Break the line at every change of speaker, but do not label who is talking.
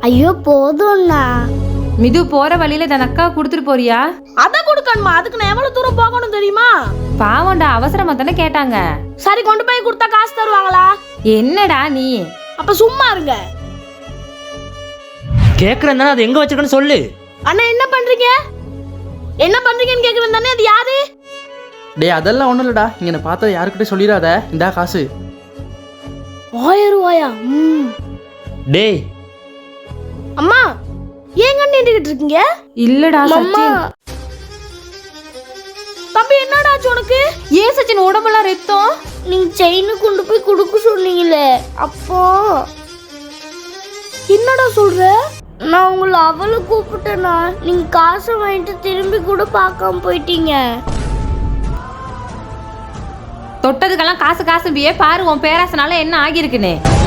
ஐயோ போதும்ண்ணா.
மிது போற வழியில இந்த அக்கா கொடுத்துட்டு போறியா?
அத கொடுக்கணுமா? அதுக்கு நான் எவ்வளவு தூரம் போகணும் தெரியுமா?
பாவம்டா, அவசரமா தானே கேட்டாங்க.
சரி, கொண்டு போய் கொடுத்தா காசு தருவாங்களா?
என்னடா நீ?
அப்ப சும்மா இருங்க.
கேக்குறேன் தானே, அது எங்க வச்சிருக்கன்னு சொல்லு.
அண்ணா என்ன பண்றீங்க? என்ன பண்றீங்கன்னு கேக்குறேன் தானே. அது யாரு?
டேய் அதெல்லாம் ஒன்றும் இல்லைடா, இங்கே பார்த்தா யாருக்கிட்ட சொல்லிடாத. இந்தா காசு.
1000 ரூபாயா?
டேய்
அம்மா ஏன் கண்டிட்டு இருக்கீங்க?
இல்லடா
அம்மா
சச்சின்.
தம்பி என்னடா ஆச்சு உனக்கு?
ஏன் சச்சின் உடம்பெல்லாம் ரத்தம்?
நீங்க செயின் கொண்டு போய் கொடுக்க சொன்னீங்களே, அப்போ
என்னடா சொல்ற?
நான் உங்களை அவளை கூப்பிட்டேனா, நீங்க காசை வாங்கிட்டு திரும்பி கூட பார்க்காம போயிட்டீங்க.
தொட்டதுக்கெல்லாம் காசு காசு பியே பாரு, உன் பேராசனால என்ன ஆகியிருக்குன்னு.